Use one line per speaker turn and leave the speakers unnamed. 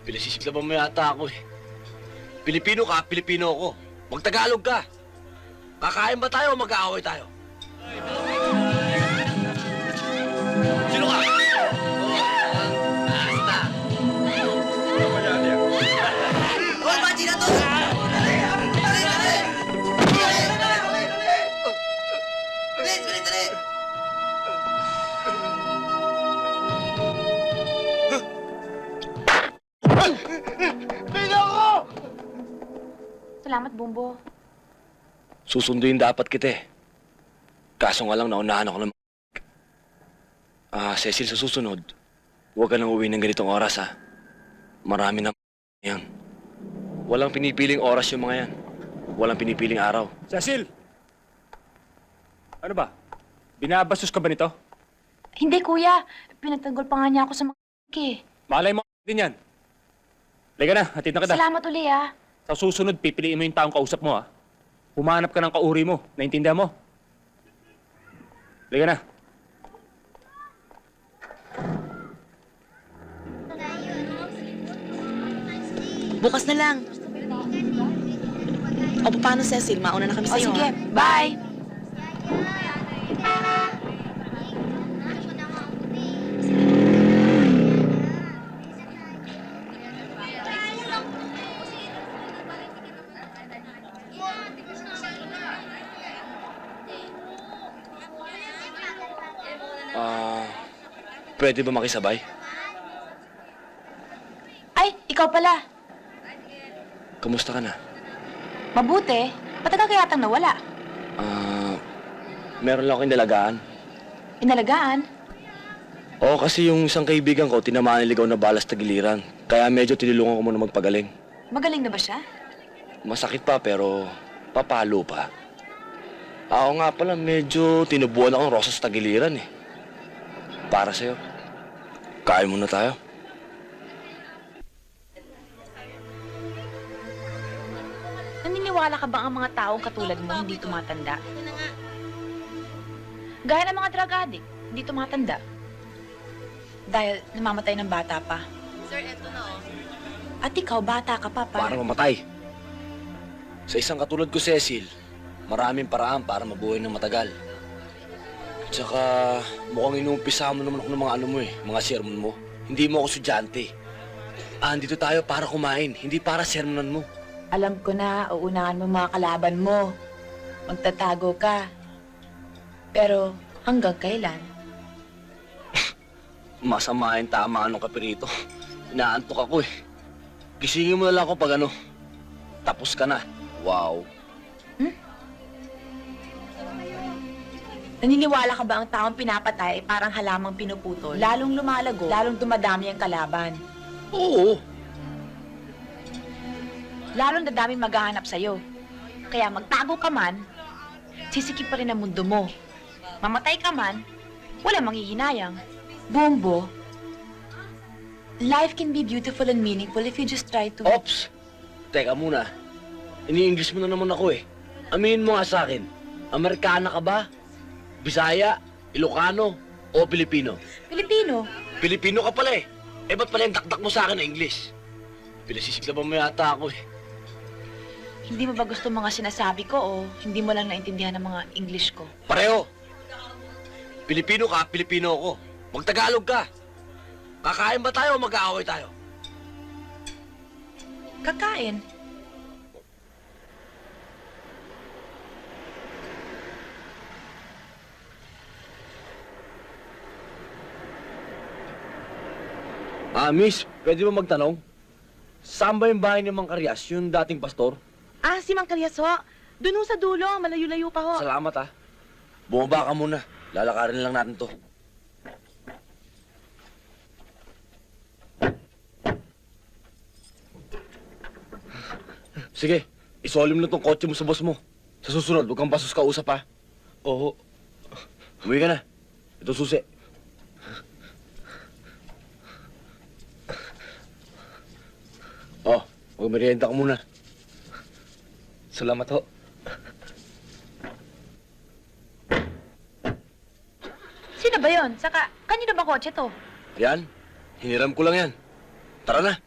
Pinasisiklaban mo yata ako eh. Pilipino ka, Pilipino ako. Magtagalog ka. Kakain ba tayo o mag-aaway tayo? Sino ka? Basta.
Hoy, Baji na to! Dali!
Salamat, Bumbo.
Susunduin dapat kita eh. Kaso nga lang naunahan ako ng... Cecil, sa susunod, huwag ka nang uwi ng ganitong oras ha. Marami na yan. Walang pinipiling oras yung mga yan. Walang pinipiling araw.
Cecil! Ano ba? Binabastos ka ba nito?
Hindi, kuya. Pinagtanggol pa nga niya ako sa mga eh.
Malay mo din yan. Liga na, hatid na kita.
Salamat uli, ah.
Sa susunod, pipiliin mo yung taong kausap mo, ha? Humanap ka ng kauri mo. Naintindihan mo? Liga na.
Bukas na lang. O, paano, Cecil? Mauna na kami
O,
sa'yo.
sige. Bye!
Pwede ba makisabay?
Ay, ikaw pala.
Kamusta ka na?
Mabuti. Matagal ka yatang nawala.
Meron lang akong inalagaan.
Inalagaan?
Oo, kasi yung isang kaibigan ko, tinamaan niligaw na balas tagiliran. Kaya medyo tinulungan ko muna magpagaling.
Magaling na ba siya?
Masakit pa, pero papalo pa. Ako nga pala, medyo tinubuan akong rosas tagiliran eh. Para sa'yo. Kain muna tayo.
Naniniwala ka ba ang mga taong katulad mo hindi tumatanda? Gaya ng mga drug addict, hindi tumatanda. Dahil namamatay ng bata pa.
Sir, eto na, oh.
At ikaw, bata ka pa pa.
Para mamatay. Sa isang katulad ko, Cecil, maraming paraan para mabuhay ng matagal. Tsaka, mukhang inuumpisa mo naman ako ng mga ano mo eh, mga sermon mo. Hindi mo ako estudyante. Andito tayo para kumain, hindi para sermonan mo.
Alam ko na, uunahan mo mga kalaban mo. Magtatago ka. Pero hanggang kailan?
Masama yung tama anong kapirito. Inaantok ako eh. Gisingin mo na lang ako pag ano, tapos ka na. Wow.
Naniniwala ka ba ang taong pinapatay ay parang halamang pinuputol? Lalong lumalago, lalong dumadami ang kalaban.
Oo.
Lalong dadaming maghahanap sa'yo. Kaya magtago ka man, sisikip pa rin ang mundo mo. Mamatay ka man, wala manghihinayang. Bumbo, life can be beautiful and meaningful if you just try to...
Ops! Teka muna. Ini-English mo na naman ako eh. Aminin mo nga sa akin, Amerikana ka ba? Bisaya, Ilocano, o Pilipino?
Pilipino.
Pilipino ka pala eh. Eh ba't pala yung dakdak mo sa akin na English? Pinasisiklaban mo yata ako eh.
Hindi mo ba gusto mga sinasabi ko o hindi mo lang naintindihan ng mga English ko?
Pareho. Pilipino ka, Pilipino ako. Magtagalog ka. Kakain ba tayo o mag-aaway tayo?
Kakain.
Miss, pwede ba magtanong? Saan ba yung bahay ni Mang Karyas, yung dating pastor?
Ah, si Mang Karyas, ho. Doon ho sa dulo, malayo-layo pa ho.
Salamat ah. Bumaba ka muna. Lalakarin lang natin to. Sige, isolim na tong kotse mo sa boss mo. Sa susunod, huwag kang basos kausap ha. Oo. Umuwi ka na. Ito susi. Oh, magmerienda ka muna.
Salamat ho.
Sino ba yon? Saka, kanino ba kotse to?
Yan, hiniram ko lang yan. Tara na.